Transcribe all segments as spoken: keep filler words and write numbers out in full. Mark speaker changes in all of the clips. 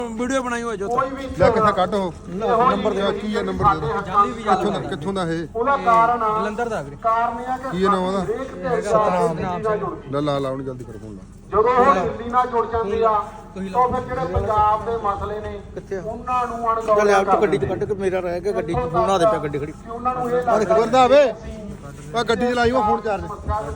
Speaker 1: video ਬਣਾਈ ਹੋਈ ਜੋ
Speaker 2: ਲੈ ਕਿੱਥੇ ਕੱਢ ਉਹ ਨੰਬਰ ਦੇ ਕੀ ਹੈ ਨੰਬਰ ਦੇ ਕਿੱਥੋਂ ਦਾ ਕਿੱਥੋਂ ਦਾ ਇਹ
Speaker 3: ਉਹਦਾ ਕਾਰਨ ਆ
Speaker 1: ਜਲੰਧਰ ਦਾ ਵੀਰੇ
Speaker 3: ਕਾਰਨ ਇਹ ਆ ਕਿ
Speaker 2: ਕੀ ਨਾਮ ਉਹਦਾ
Speaker 3: ਸਤਨਾਮ
Speaker 2: ਲੈ ਲਾ ਲਾ ਉਹਨੂੰ ਜਲਦੀ ਕਰ ਫੋਨ ਲਾ
Speaker 3: ਜਦੋਂ ਉਹ ਦਿੱਲੀ ਨਾਲ ਜੁੜ ਜਾਂਦੇ ਆ ਤਾਂ ਫਿਰ ਜਿਹੜੇ ਪੰਜਾਬ ਦੇ ਮਸਲੇ ਨੇ ਉਹਨਾਂ ਨੂੰ ਅਣਗੌਲਿਆ
Speaker 1: ਲੈ ਆਪ ਗੱਡੀ ਚ ਕੱਢ ਕੇ ਮੇਰਾ ਰਹਿ ਗਿਆ ਗੱਡੀ ਚ ਬਣਾ ਦੇ ਪਿਆ ਗੱਡੀ ਖੜੀ
Speaker 3: ਉਹਨਾਂ ਨੂੰ ਇਹ ਲੱਗਦਾ
Speaker 2: ਖਬਰ ਦਾ ਵੇ ਆ ਗੱਡੀ ਚਲਾਈ ਉਹ ਫੋਨ ਚਾਰਜ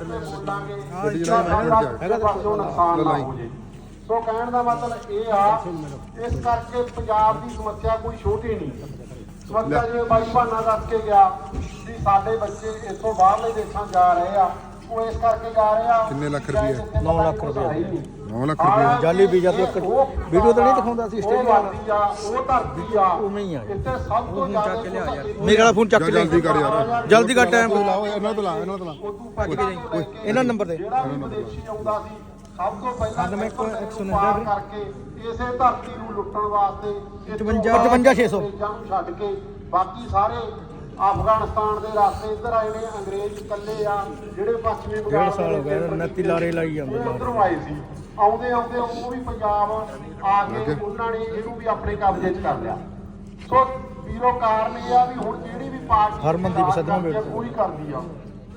Speaker 3: ਗੱਡੀ ਚਲਾਈ ਹੈਗਾ ਪਾਸੋਂ ਨੁਕਸਾਨ ਨਾ ਹੋ ਜੇ ਸੋ ਕਹਿਣ ਦਾ ਮਤਲਬ ਇਹ ਆ ਇਸ ਕਰਕੇ ਪੰਜਾਬ ਦੀ ਸਮੱਸਿਆ ਕੋਈ ਛੋਟੀ ਨਹੀਂ ਸਮੱਸਿਆ ਜਿਵੇਂ ਬਾਈ ਭਾਨਾ ਦੱਸ ਕੇ ਗਿਆ ਵੀ ਸਾਡੇ ਬੱਚੇ ਇੱਥੋਂ ਬਾਹਰਲੇ ਦੇਸ਼ਾਂ ਜਾ ਰਹੇ ਆ ਉਹ ਇਸ ਕਰਕੇ ਜਾ ਰਹੇ ਆ
Speaker 2: ਕਿੰਨੇ ਲੱਖ ਰੁਪਏ
Speaker 1: ਨੌ ਲੱਖ ਰੁਪਏ
Speaker 2: ਨੌ ਲੱਖ ਰੁਪਏ
Speaker 1: ਜਾਲੀ ਵੀਜ਼ਾ ਤੇ ਇੱਕ ਵੀਡੀਓ ਤਾਂ ਨਹੀਂ ਦਿਖਾਉਂਦਾ ਸੀ ਆਸਟ੍ਰੇਲੀਆ
Speaker 3: ਆ ਉਹ ਧਰਤੀ ਆ
Speaker 1: ਉਵੇਂ ਹੀ ਆ
Speaker 3: ਇੱਥੇ ਸਭ ਤੋਂ ਜ਼ਿਆਦਾ
Speaker 1: ਮੇਰੇ ਵਾਲਾ ਫੋਨ ਚੱਕ ਕੇ
Speaker 2: ਜਲਦੀ ਕਰ ਯਾਰ
Speaker 1: ਜਲਦੀ ਕਰ ਟਾਈਮ
Speaker 2: ਲਾਓ ਇਹਨਾਂ ਤੋਂ ਲਾ ਇਹਨਾਂ ਤੋਂ ਲਾ
Speaker 1: ਭੱਜ ਕੇ ਜਾਈ ਇਹਨਾਂ ਨੰਬਰ ਤੇ
Speaker 3: ਜਿਹੜਾ ਵੀ ਵਿਦੇਸ਼ੀ ਆਉਂਦਾ ਸੀ ਸਭ ਤੋਂ ਪਹਿਲਾਂ ਮੈਂ ਪਾਰ ਕਰਕੇ ਇਸੇ ਧਰਤੀ ਨੂੰ ਲੁੱਟਣ ਵਾਸਤੇ
Speaker 1: ਪਚਵੰਜਾ ਛੇ ਸੌ
Speaker 3: ਨੂੰ ਛੱਡ ਕੇ ਬਾਕੀ ਸਾਰੇ ਅਫਗਾਨਿਸਤਾਨ ਦੇ ਰਾਸਤੇ ਇੱਧਰ ਆਏ ਨੇ ਅੰਗਰੇਜ਼ ਇਕੱਲੇ ਆ ਜਿਹੜੇ ਪੱਛਮੀ ਬੰਗਾਲ
Speaker 1: ਡੇਢ ਸਾਲ ਹੋ ਗਏ ਉਨੱਤੀ ਲਾਰੇ ਲਾਈ ਜਾਂਦੇ
Speaker 3: ਉੱਧਰੋਂ ਆਏ ਸੀ ਆਉਂਦੇ ਆਉਂਦੇ ਉਹ ਵੀ ਪੰਜਾਬ ਆ ਕੇ ਉਹਨਾਂ ਨੇ ਇਹਨੂੰ ਵੀ ਆਪਣੇ ਕਬਜ਼ੇ 'ਚ ਕਰ ਲਿਆ ਸੋ ਵੀਰੋ ਕਾਰਨ ਇਹ ਆ ਵੀ ਹੁਣ ਜਿਹੜੀ ਵੀ ਪਾਰਟੀ
Speaker 1: ਹਰਮਨਦੀਪ ਸਦਮਾ ਵੇਟ
Speaker 3: ਪੂਰੀ ਕਰਦੀ ਆ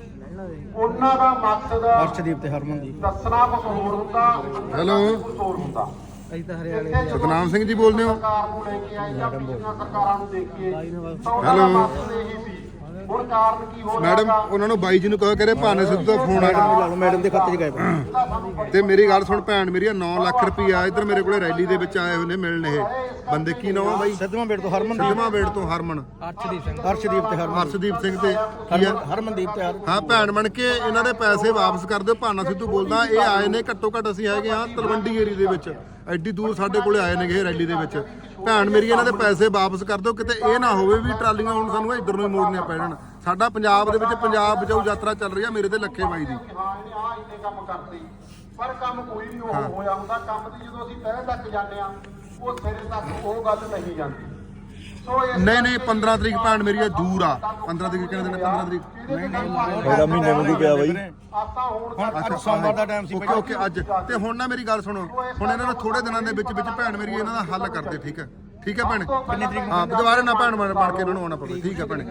Speaker 3: ਉਹਨਾਂ ਦਾ ਮਕਸਦ
Speaker 1: ਅਰਸ਼ਦੀਪ ਤੇ ਹਰਮਨਦੀਪ
Speaker 3: ਦੱਸਣਾ ਕੁਝ ਹੋਰ ਹੁੰਦਾ
Speaker 2: ਹੈਲੋ
Speaker 3: ਕੁਝ ਹੋਰ ਹੁੰਦਾ
Speaker 1: ਅਸੀਂ ਤਾਂ ਹਰਿਆਣੇ
Speaker 2: ਸਤਨਾਮ ਸਿੰਘ ਜੀ ਬੋਲਦੇ ਹੋ
Speaker 3: ਸਰਕਾਰ ਨੂੰ ਲੈ ਕੇ ਆਏ ਜਾਂ ਪਿਛਲੀਆਂ ਸਰਕਾਰਾਂ ਨੂੰ ਦੇਖੀਏ ਤਾਂ ਉਹਨਾਂ ਦਾ ਮਕਸਦ ਇਹੀ ਸੀ ਹੁਣ ਕਾਰਨ ਕੀ ਹੋ ਰਿਹਾ
Speaker 2: ਮੈਡਮ ਉਹਨਾਂ ਨੂੰ ਬਾਈ ਜੀ ਨੂੰ ਕਹੋ ਕਰੇ ਭਾਨੇ ਸਿੱਧੂ ਦਾ ਫੋਨ ਆ
Speaker 1: ਲਾ ਲਓ ਮੈਡਮ ਦੇ ਖਾਤੇ 'ਚ ਗਏ
Speaker 2: ਤੇ ਮੇਰੀ ਗੱਲ ਸੁਣ ਭੈਣ ਮੇਰੀ ਨੌ ਲੱਖ ਰੁਪਈਆ ਇੱਧਰ ਮੇਰੇ ਕੋਲੇ ਰੈਲੀ ਦੇ ਵਿੱਚ ਆਏ ਹੋਏ ਨੇ ਮਿਲਣ ਇਹ ਬੰਦੇ ਕੀ ਨਾਮ ਆ ਬਾਈ
Speaker 1: ਸਦਮਾ ਵੇਟ ਤੋਂ ਹਰਮਨਦੀਪ
Speaker 2: ਸਿੱਧਵਾਂ ਵੇੜ ਤੋਂ ਹਰਮਨ
Speaker 1: ਅਰਸ਼ਦੀਪ ਸਿੰਘ ਅਰਸ਼ਦੀਪ ਤੇ ਹਰਮਨ
Speaker 2: ਹਰਸ਼ਦੀਪ ਸਿੰਘ ਤੇ ਕੀ ਆ
Speaker 1: ਹਰਮਨਦੀਪ ਤੇ ਹਰ
Speaker 2: ਹਾਂ ਭੈਣ ਬਣ ਕੇ ਇਹਨਾਂ ਦੇ ਪੈਸੇ ਵਾਪਸ ਕਰ ਦਿਓ ਭਾਨਾ ਸਿੱਧੂ ਬੋਲਦਾ ਇਹ ਆਏ ਨੇ ਘੱਟੋ ਘੱਟ ਅਸੀਂ ਹੈਗੇ ਆ ਤਲਵੰਡੀ ਏਰੀਏ ਦੇ ਵਿੱਚ ਐਡੀ ਦੂਰ ਸਾਡੇ ਕੋਲੇ ਆਏ ਨੇਗੇ ਇਹ ਰੈਲੀ ਦੇ ਵਿੱਚ ਭੈਣ ਮੇਰੀ ਇਹਨਾਂ ਦੇ ਪੈਸੇ ਵਾਪਸ ਕਰ ਦਿਓ ਕਿਤੇ ਇਹ ਨਾ ਹੋਵੇ ਵੀ ਟਰਾਲੀਆਂ ਹੁਣ ਸਾਨੂੰ ਇੱਧਰ ਨੂੰ ਹੀ ਮੋੜਨੀਆਂ ਪੈਣ ਸਾਡਾ ਪੰਜਾਬ ਦੇ ਵਿੱਚ ਪੰਜਾਬ ਬਚਾਓ ਯਾਤਰਾ ਚੱਲ ਰਹੀ ਆ ਮੇਰੇ ਤੇ ਲੱਖੇ ਬਾਈ ਦੀ
Speaker 3: ਹਾਂ ਇਹਨੇ ਆ ਇੰਨੇ ਕੰਮ ਕਰਤੇ ਪਰ ਕੰਮ ਕੋਈ ਨਹੀਂ ਹੋਇਆ ਹੁੰਦਾ ਕੰਮ ਦੀ ਜਦੋਂ ਅਸੀਂ ਤਹਿ ਤੱਕ ਜਾਂਦੇ ਆ ਉਹ ਸਿਰੇ ਤੱਕ ਉਹ ਗੱਲ ਨਹੀਂ ਜਾਂਦੀ ਸੋ ਇਸ
Speaker 2: ਨਹੀਂ ਨਹੀਂ ਪੰਦਰਾਂ ਤਰੀਕ ਭੈਣ ਮੇਰੀ ਆ ਦੂਰ ਆ ਪੰਦਰਾਂ ਤਰੀਕ ਕਿਹਨੇ ਦਿਨ ਪੰਦਰਾਂ ਤਰੀਕ
Speaker 3: ਨਹੀਂ ਨਹੀਂ
Speaker 4: ਮੇਰਾ ਮਹੀਨੇ ਵਾਂਗੂ ਪਿਆ ਬਾਈ
Speaker 3: ਆਪਾਂ ਹੁਣ
Speaker 1: ਹੁਣ ਅੱਜ ਸੋਮਵਾਰ ਦਾ ਟਾਈਮ ਸੀ
Speaker 2: ਓਕੇ ਓਕੇ ਅੱਜ ਤੇ ਹੁਣ ਨਾ ਮੇਰੀ ਗੱਲ ਸੁਣੋ ਹੁਣ ਇਹਨਾਂ ਨੂੰ ਥੋੜੇ ਦਿਨਾਂ ਦੇ ਵਿੱਚ ਵਿੱਚ ਭੈਣ ਮੇਰੀ ਇਹਨਾਂ ਦਾ ਹੱਲ ਕਰਦੇ ਠੀਕ ਹੈ ਠੀਕ ਹੈ ਭੈਣ ਹਾਂ ਦੁਬਾਰਾ ਨਾ ਭੈਣ ਬਣ ਬਣ ਕੇ ਇਹਨਾਂ ਨੂੰ ਆਉਣਾ ਪਵੇ ਠੀਕ ਹੈ ਭੈਣ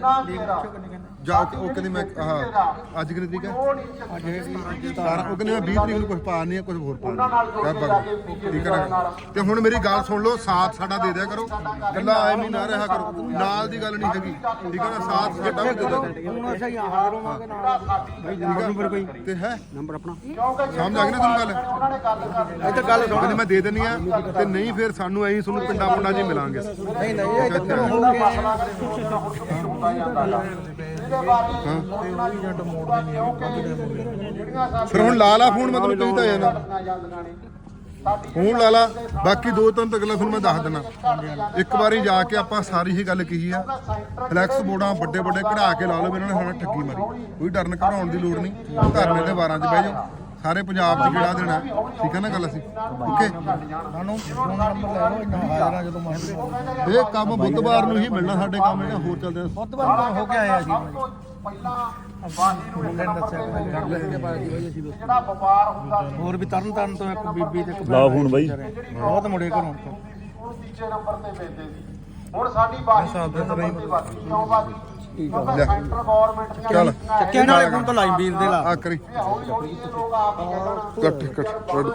Speaker 2: ਜਾ ਓਕੇ ਓਕੇ ਦੀ ਮੈਂ ਹਾਂ ਅੱਜ ਕਿੰਨੀ ਤਰੀਕ ਹੈ ਸਤਾਰਾਂ ਉਹ ਕਹਿੰਦੇ ਮੈਂ ਵੀਹ ਤਰੀਕ ਨੂੰ ਕੁਝ ਪਾ ਨਹੀਂ ਕੁਝ ਹੋਰ ਪਾ ਨਹੀਂ ਠੀਕ ਹੈ ਨਾ ਤੇ ਹੁਣ ਮੇਰੀ ਗੱਲ ਸੁਣ ਲਓ ਸਾਥ ਸਾਡਾ ਦੇ ਦਿਆ ਕਰੋ ਗੱਲਾਂ ਐਵੇਂ ਨਾ ਰਿਹਾ ਕਰੋ ਨਾਲ ਦੀ ਗੱਲ ਨਹੀਂ ਹੈਗੀ ਠੀਕ ਹੈ ਨਾ ਸਾਥ ਸਾਡਾ ਵੀ ਦੇ ਦਿਆ ਕਰੋ
Speaker 1: ਹੁਣ ਅਸੀਂ ਹਾਜ਼ਰ ਹੋਵਾਂਗੇ ਨਾਲ ਨੰਬਰ ਕੋਈ
Speaker 2: ਤੇ ਹੈ
Speaker 1: ਨੰਬਰ ਆਪਣਾ
Speaker 2: ਸਮਝ ਆ ਗਈ ਨਾ ਤੈਨੂੰ ਗੱਲ
Speaker 3: ਉਹਨਾਂ ਨੇ ਗੱਲ ਕਰਨੀ
Speaker 1: ਇੱਧਰ ਗੱਲ ਸੁਣ
Speaker 2: ਕਹਿੰਦੇ ਮੈਂ ਦੇ ਦਿੰਨੀ ਆ ਤੇ ਨਹੀਂ ਫਿਰ ਸਾਨੂੰ ਐਂ ਤੁਹਾਨੂੰ ਪਿੰਡਾਂ ਪਿੰਡਾਂ 'ਚ ਹੀ ਮਿਲਾਂਗੇ
Speaker 1: ਨਹੀਂ ਨਹੀਂ ਇਹ ਤਾਂ ਹੋ ਗਿਆ
Speaker 3: ਹੁੰਦਾ ਜਾਂਦਾ ਇਹਦੇ ਬਾਰੇ ਉਹਨਾਂ ਦੀ ਜੰਟ ਮੋੜ ਦੀ ਜਿਹੜੀਆਂ
Speaker 2: ਫਿਰ ਹੁਣ ਲਾ ਲਾ ਫੋਨ ਮਤਲਬ ਤੁਸੀਂ ਤਾਂ ਜਾਣਾ
Speaker 3: ਸਾਡੀਆਂ ਜਾਂਦੀਆਂ ਨੇ ਸਾਡੀ
Speaker 2: ਫੋਨ ਲਾ ਲਾ ਬਾਕੀ ਦੋ ਤਿੰਨ ਤੱਕ ਤੁਹਾਨੂੰ ਮੈਂ ਦੱਸ ਦਿੰਦਾ ਇੱਕ ਵਾਰੀ ਜਾ ਕੇ ਆਪਾਂ ਸਾਰੀ ਹੀ ਗੱਲ ਕਹੀ ਆ ਫਲੈਕਸ ਬੋਰਡਾਂ ਵੱਡੇ ਵੱਡੇ ਕਢਾ ਕੇ ਲਾ ਲਓ ਵੀ ਇਹਨਾਂ ਨੇ ਸਾਡਾ ਠੱਗੀ ਮਾਰੀ ਕੋਈ ਡਰਨ ਘਬਰਾਉਣ ਦੀ ਲੋੜ ਨਹੀਂ ਧਰਨੇ ਦੇ ਵਾਰਾਂ 'ਚ ਬਹਿ ਜਾਓ ਸਾਰੇ ਪੰਜਾਬ 'ਚ ਕਿਹੜਾ ਦੇਣਾ ਠੀਕ ਹੈ ਨਾ ਗੱਲ ਅਸੀਂ ਓਕੇ
Speaker 1: ਸਾਨੂੰ ਫੋਨ ਨੰਬਰ ਲੈ ਲਓ ਇੰਨਾ ਹਾਜ਼ਰਾਂ ਜਦੋਂ ਮਹਿੰਦੇ
Speaker 2: ਇਹ ਕੰਮ ਬੁੱਧਵਾਰ ਨੂੰ ਹੀ ਮਿਲਣਾ ਸਾਡੇ ਕੰਮ ਜਿਹੜਾ ਹੋਰ ਚੱਲਦੇ ਆ
Speaker 1: ਬੁੱਧਵਾਰ ਹੋ ਕੇ ਆਏ ਆ ਜੀ
Speaker 3: ਪਹਿਲਾਂ ਬਾਕੀ
Speaker 1: ਮੁੰਡੇ ਨੇ ਦੱਸਿਆ ਕਰ ਲੈਣਗੇ ਬਾਜੀ ਬਾਈ ਅਸੀਂ
Speaker 3: ਜਿਹੜਾ ਵਪਾਰ ਹੁੰਦਾ ਸੀ
Speaker 1: ਹੋਰ ਵੀ ਤਰਨ ਤਾਰਨ ਤੋਂ ਇੱਕ ਬੀਬੀ ਤੇ ਇੱਕ
Speaker 4: ਲਾ ਫੋਨ ਬਾਈ
Speaker 1: ਬਹੁਤ ਮੁੰਡੇ ਘਰੋਂ
Speaker 3: ਉਹ ਤੀਜੇ ਨੰਬਰ ਤੇ ਵੇਚਦੇ ਸੀ ਹੁਣ ਸਾਡੀ ਬਾਕੀ ਤੀਜੇ ਨੰਬਰ ਤੇ ਬਾਕੀ ਕਿਉਂ ਬਾਕੀ ਕਿਉਂਕਿ ਸੈਂਟਰ ਗਵਰਨਮੈਂਟ ਦੀਆਂ
Speaker 2: ਚੱਲ
Speaker 1: ਚੱਕਿਆ ਨਾਲੇ ਫੋਨ ਤੋਂ ਲਾਈ ਵੀਰ ਦੇ ਲਾ
Speaker 2: ਆ ਕਰੀ
Speaker 3: ਹੌਲੀ ਹੌਲੀ ਇਹ ਲੋਕ ਆਪ ਹੀ ਕਹਿ ਦੇਣਾ
Speaker 2: ਕੱਟ ਕੱਟ